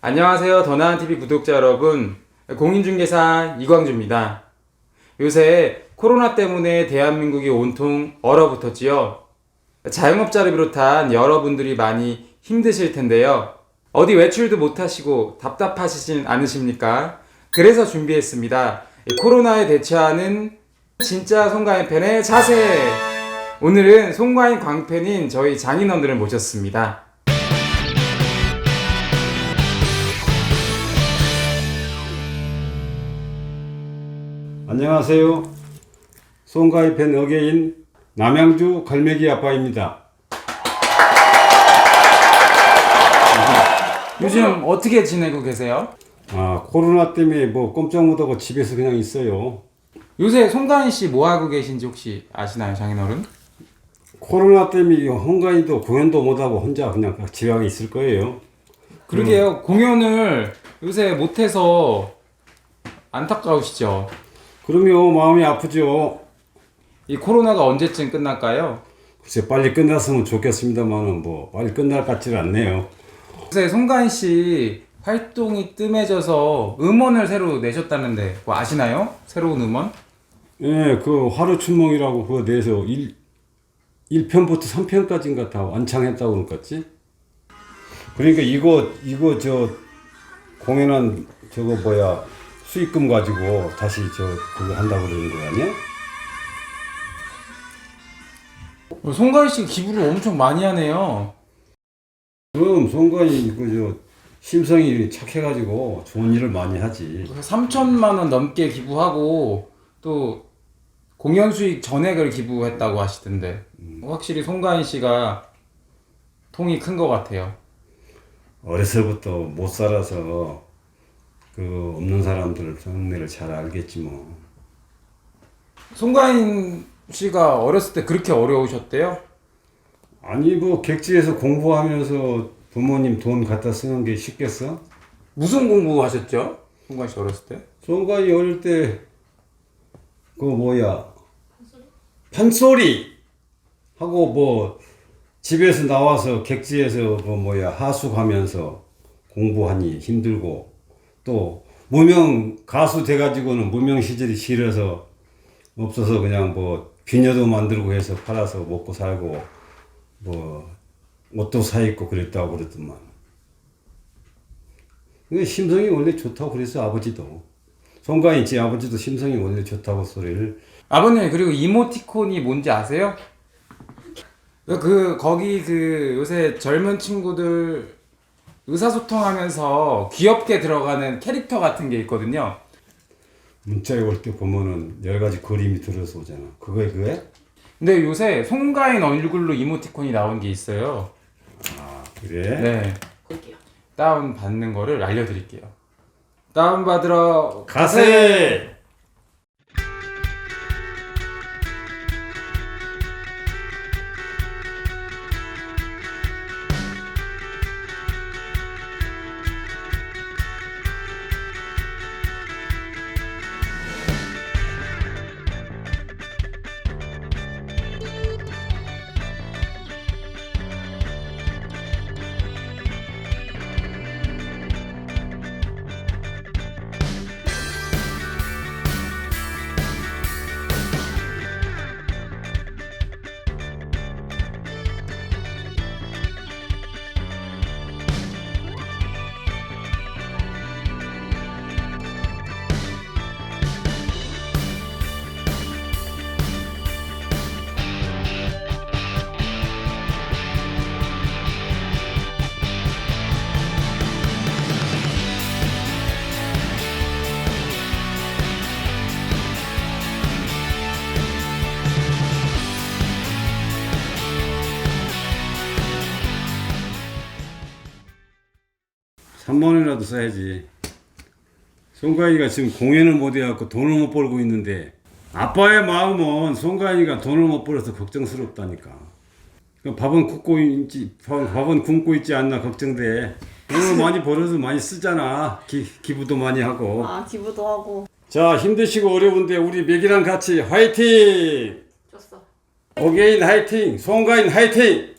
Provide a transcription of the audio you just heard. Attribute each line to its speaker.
Speaker 1: 안녕하세요. 더 나은 TV 구독자 여러분. 공인중개사 이광주입니다. 요새 코로나 때문에 대한민국이 온통 얼어붙었지요. 자영업자를 비롯한 여러분들이 많이 힘드실 텐데요. 어디 외출도 못하시고 답답하시진 않으십니까? 그래서 준비했습니다. 코로나에 대처하는 진짜 송가인 팬의 자세! 오늘은 송가인 광팬인 저희 장인어른을 모셨습니다.
Speaker 2: 안녕하세요. 송가인 팬 어게인 남양주 갈매기 아빠입니다.
Speaker 1: 요즘 어떻게 지내고 계세요?
Speaker 2: 코로나 때문에 뭐 꼼짝 못하고 집에서 그냥 있어요.
Speaker 1: 요새 송가인 씨 뭐 하고 계신지 혹시 아시나요, 장인어른?
Speaker 2: 코로나 때문에 홍가인도 공연도 못하고 혼자 그냥 집에 있을 거예요.
Speaker 1: 그러게요. 공연을 요새 못해서 안타까우시죠?
Speaker 2: 그럼요, 마음이 아프죠.
Speaker 1: 이 코로나가 언제쯤 끝날까요?
Speaker 2: 글쎄 빨리 끝났으면 좋겠습니다만은 뭐 빨리 끝날 것 같지는 않네요.
Speaker 1: 요새 송가인 씨 활동이 뜸해져서 음원을 새로 내셨다는데 그거 아시나요? 새로운 음원?
Speaker 2: 예, 그 하루춘몽이라고 그거 내서 1편부터 3편까지인가 다 완창했다고 그럴 것 같지? 그러니까 이거 저 공연한 저거 뭐야 수익금 가지고 다시 그거 한다고 그러는 거 아니야?
Speaker 1: 송가인 씨 기부를 엄청 많이 하네요.
Speaker 2: 그럼 송가인이 심성이 착해가지고 좋은 일을 많이 하지.
Speaker 1: 3천만 원 넘게 기부하고 또 공연 수익 전액을 기부했다고 하시던데 확실히 송가인 씨가 통이 큰 것 같아요.
Speaker 2: 어려서부터 못 살아서 그 없는 사람들 정내를 잘 알겠지 뭐.
Speaker 1: 송가인 씨가 어렸을 때 그렇게 어려우셨대요?
Speaker 2: 아니 뭐 객지에서 공부하면서 부모님 돈 갖다 쓰는 게 쉽겠어?
Speaker 1: 무슨 공부하셨죠? 송가인 씨 어렸을 때?
Speaker 2: 송가인이 어릴 때 그 뭐야 판소리 하고 뭐 집에서 나와서 객지에서 그 뭐야 하숙하면서 공부하니 힘들고 또 무명 가수 돼가지고는 무명 시절이 싫어서 없어서 그냥 뭐 비녀도 만들고 해서 팔아서 먹고 살고 뭐 옷도 사 입고 그랬다고 그랬더만. 근데 심성이 원래 좋다고 그랬어 아버지도. 송가인 씨 아버지도 심성이 원래 좋다고 소리를.
Speaker 1: 아버님 그리고 이모티콘이 뭔지 아세요? 거기 요새 젊은 친구들 의사소통하면서 귀엽게 들어가는 캐릭터 같은 게 있거든요.
Speaker 2: 문자에 올 때 보면은 여러 가지 그림이 들어서 오잖아. 그거에?
Speaker 1: 근데 요새 송가인 얼굴로 이모티콘이 나온 게 있어요.
Speaker 2: 그래?
Speaker 1: 네. 다운 받는 거를 알려드릴게요. 다운 받으러
Speaker 2: 가세! $3만 원이라도 써야지. 송가인이가 지금 공연을 못 해갖고 돈을 못 벌고 있는데 아빠의 마음은 송가인이가 돈을 못 벌어서 걱정스럽다니까. 밥은 굶고 있지 않나 걱정돼. 돈을 많이 벌어서 많이 쓰잖아. 기부도 많이 하고.
Speaker 3: 기부도 하고.
Speaker 2: 자, 힘드시고 어려운데 우리 맥이랑 같이 화이팅!
Speaker 3: 줬어.
Speaker 2: 어게인 화이팅! 송가인 화이팅!